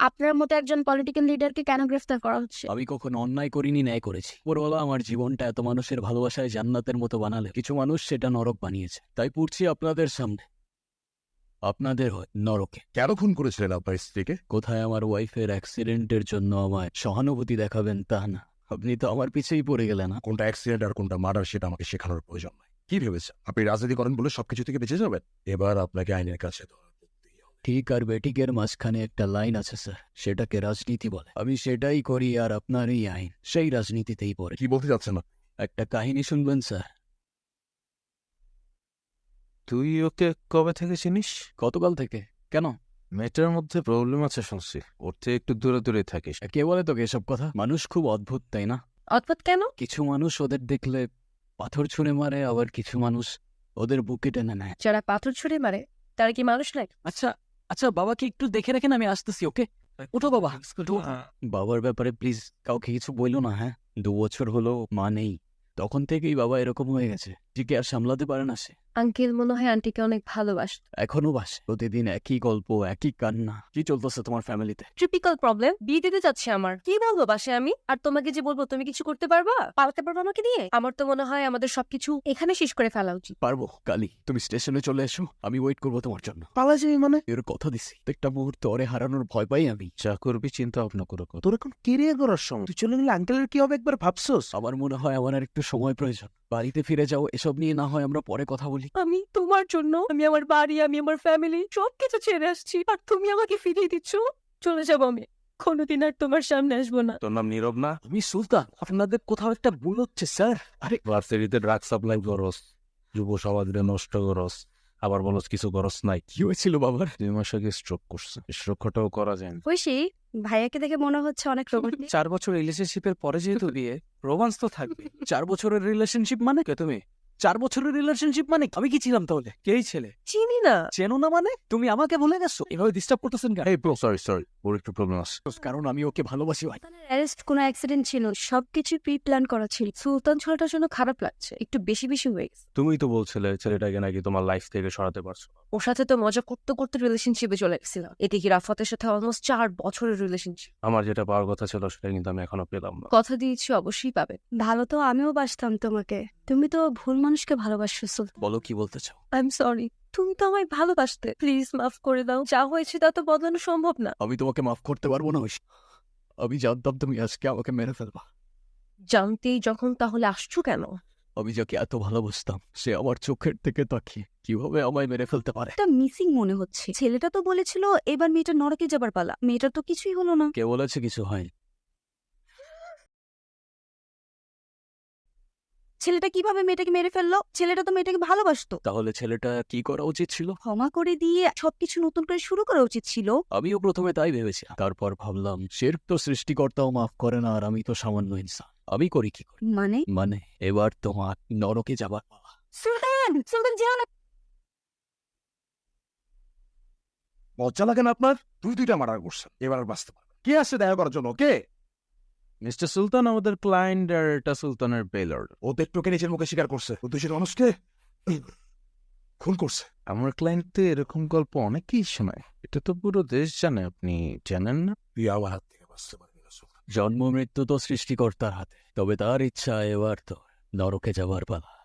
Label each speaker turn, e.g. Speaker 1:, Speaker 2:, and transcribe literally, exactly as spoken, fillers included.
Speaker 1: আপনার মতো একজন পলিটিক্যাল লিডারকে কেন গ্রেফতার করা হচ্ছে?
Speaker 2: আমি কখনো অন্যায় করিনি, ন্যায় করেছি। উপরওয়ালা আমার জীবনটা এত মানুষের ভালোবাসায় জান্নাতের মতো বানালে কিছু মানুষ সেটা নরক বানিয়েছে। তাই পড়ছি আপনাদের সামনে, আপনাদের হয় নরকে।
Speaker 3: কেন খুন করেছিলেন আপনার স্ত্রীকে?
Speaker 2: কোথায় আমার ওয়াইফের অ্যাক্সিডেন্টের জন্য আমায় সহানুভূতি দেখাবেন তা না, আপনি তো আমার পিছেই পড়ে গেলেন। না,
Speaker 3: কোনটা অ্যাক্সিডেন্ট আর কোনটা মার্ডার সেটা আমাকে শেখানোর প্রয়োজন নাই। কি ভেবেছেন আপনি রাজনীতি করেন বলে সবকিছু থেকে বেঁচে যাবেন? এবার আপনাকে আইনের কাছে ধরা পড়তেই হবে।
Speaker 2: ঠিক আর বেঠিকের মাঝখানে একটা লাইন আছে স্যার, সেটাকে রাজনীতি বলে। আমি সেটাই করি আর আপনার এই আইন সেই রাজনীতিতেই পড়ে।
Speaker 3: কি বলতে চাচ্ছেন না?
Speaker 2: একটা কাহিনী শুনবেন স্যার?
Speaker 4: তুই ওকে কবে থেকে চিনিস?
Speaker 2: গতকাল থেকে। কেন?
Speaker 4: মেয়েটার মধ্যে প্রবলেম আছে শুনছি, ওর থেকে একটু দূরে দূরে থাকিস।
Speaker 2: কে বলে তোকে এসব কথা? মানুষ খুব অদ্ভুত, তাই না?
Speaker 1: অদ্ভুত কেন?
Speaker 2: কিছু মানুষ ওদের দেখলে পাথর ছুঁড়ে মারে, আবার কিছু মানুষ ওদের বুকে টেনে নেয়।
Speaker 1: যারা পাথর ছুঁড়ে মারে তারা কি মানুষ নয়?
Speaker 2: আচ্ছা আচ্ছা, বাবাকে একটু দেখে রাখেন, আমি আসতেছি। ওকে, উঠো বাবা। উঠো। বাবার ব্যাপারে প্লিজ কাউকে কিছু বইলো না, হ্যাঁ? দু বছর হলো মা নেই, তখন থেকেই বাবা এরকম হয়ে গেছে। ঠিকই আর সামলাতে পারে না সে।
Speaker 1: আঙ্কেল মনে হয় আন্টিকে অনেক ভালোবাসত।
Speaker 2: এখনো বাসে, প্রতিদিন একই গল্প, একই কান্না। কি চলতেছে তোমার ফ্যামিলিতে?
Speaker 1: Typical problem. বিয়ে দিতে যাচ্ছে আমার, কি বলবো বাসে আমি? আর তোমাকে যে বলবো তুমি কিছু করতে পারবা, পালাতে পারবা আমাকে দিয়ে? আমার তো মনে হয় আমাদের সবকিছু এখানে শেষ করে ফেলা উচিত।
Speaker 2: পারবো কালি, তুমি স্টেশনে চলে এসো, আমি ওয়েট করবো তোমার জন্য।
Speaker 4: পালা যাবি মানে?
Speaker 2: এর কথা দিছি, একটা মুহূর্ত ওরে হারানোর ভয় পাই আমি।
Speaker 4: যা করবি চিন্তা ভাবনা করে কর। তোর এখন কেরিয়ার করার সময়, তুই চলে গেলে আঙ্কেলের কি হবে একবার ভাবছোস?
Speaker 2: আমার মনে হয় আমার আর একটু সময় প্রয়োজন। বাড়িতে ফিরে যাও, এসব নিয়ে না হয় আমরা পরে কথা বলি।
Speaker 1: আমি তোমার জন্য, আমি আমার বাড়ি, আমি আমার ফ্যামিলি সবকিছু ছেড়ে আসছি, আর তুমি আমাকে ফিরিয়ে দিচ্ছ। চলে যাবো আমি, কোনোদিন আর তোমার সামনে আসবো না।
Speaker 4: তোর নাম নীরব না?
Speaker 2: আমি সুলতান, আপনাদের কোথাও একটা ভুল হচ্ছে স্যার। আরে
Speaker 4: ভার্সিটিতে ড্রাগ সাপ্লাই করস, যুব সমাজে নষ্ট করস, আবার বলস কিছু করস নাই।
Speaker 2: কি হয়েছিল বাবার?
Speaker 4: দুই মাস আগে স্ট্রোক করছে, স্ট্রোকটাও করা যায় না।
Speaker 1: ঐশী, ভাইয়াকে দেখে মনে হচ্ছে অনেক রোমান্টিক।
Speaker 2: চার বছর রিলেশনশিপের পরে যেহেতু বিয়ে, রোমান্স তো থাকবে। চার বছরের রিলেশনশিপ মানে? কে তুমি? চার বছরের রিলেশনশিপ মানে আমি কি ছিলাম তাহলে? কেই ছেলে
Speaker 1: চিনি না।
Speaker 2: চেনো না মানে? তুমি আমাকে ভুলে গেছো? এভাবে ডিস্টার্ব করতেছেন কেন?
Speaker 4: এই ব্রো, সরি সরি, ওর একটু প্রবলেম আছে।
Speaker 2: কারণ আমি ওকে ভালোবাসি ভাই।
Speaker 1: সুলতানের অ্যারেস্ট কোনো অ্যাক্সিডেন্ট ছিল, সবকিছু প্রি প্ল্যান করা ছিল। সুলতান ছেলেটার জন্য খারাপ লাগছে, একটু বেশি বেশি হয়ে গেছে।
Speaker 4: তুমিই তো বলছিলে ছেলেটাকে নাকি তোমার লাইফ থেকে সরাতে পারছো না।
Speaker 1: ওর সাথে তো মজা করতে করতে রিলেশনশিপে চলে গেছিলাম। এদিকে রাফাতের সাথে অলমোস্ট চার বছরের রিলেশনশিপ।
Speaker 4: আমার যেটা পাওয়ার কথা ছিল সেটা কিন্তু আমি এখনো পেলাম না।
Speaker 1: কথা দিয়েছি অবশ্যই পাবে। ভালো তো আমিও বাসতাম তোমাকে, তুমি তো ভুল মানুষকে ভালোবাসছো সুলতান।
Speaker 2: বলো কি বলতে চাও?
Speaker 1: আই এম সরি, তুমি তো আমায় ভালোবাসতে। প্লিজ মাফ করে দাও, যা হয়েছে তা তো বদলানো সম্ভব না।
Speaker 2: আমি তোমাকে মাফ করতে পারবো না ঐশী। আমি জানতাম তুমি আজকে আমাকে মেরে ফেলবা।
Speaker 1: জানতেই যখন তাহলে আসছো কেন?
Speaker 2: আমি যাকে এত ভালোবাসতাম সে আমার চোখের থেকে তাকিয়ে কিভাবে আমায় মেরে ফেলতে পারে?
Speaker 5: একটা মিসিং মনে হচ্ছে। ছেলেটা তো বলেছিল এবার মেয়েটা নরকে যাবার পালা, মেয়েটার তো কিছুই হলো না।
Speaker 2: কে বলেছে কিছু হয়নি?
Speaker 5: ছেলেটা কিভাবে মেয়েটাকে মেরে ফেললো? ছেলেটা তো মেয়েটাকে ভালোবাসতো।
Speaker 2: তাহলে ছেলেটা কি করা উচিত ছিল?
Speaker 5: ক্ষমা করে দিয়ে সবকিছু নতুন করে শুরু করা উচিত ছিল।
Speaker 2: আমিও প্রথমে তাই ভেবেছি, তারপর ভাবলাম শিরক তো সৃষ্টিকর্তাও মাফ করে না, আর আমি তো সামান্য ইনসান, আমি করি কি করি?
Speaker 5: মানে
Speaker 2: মানে এবার তোমার নরকে যাবার পালা।
Speaker 5: সুলতান, সুলতান যেও না।
Speaker 3: লজ্জা লাগে না আপনার? দুই দুইটা মার্ডার করছেন, এবার আর বাঁচতে পারবেন? কে আসছে দেখা করার জন্য? কে?
Speaker 4: মিস্টার সুলতান আমাদের ক্লায়েন্ট, আর এটা সুলতানের বেলার।
Speaker 3: ও তো একটুকে নিজের মুখে স্বীকার করছে ও দোষী মানুষকে খুন করছে।
Speaker 4: আমার ক্লায়েন্ট তো এরকম গল্প অনেকেই শোনায়, এটা তো পুরো দেশ জানে, আপনি জানেন না?
Speaker 3: তুই আমার হাত থেকে বাঁচতে পারবি না সুলতান।
Speaker 2: জন্ম মৃত্যু তো সৃষ্টিকর্তার হাতে, তবে তার ইচ্ছা এবার তো নরকে যাবার পালা।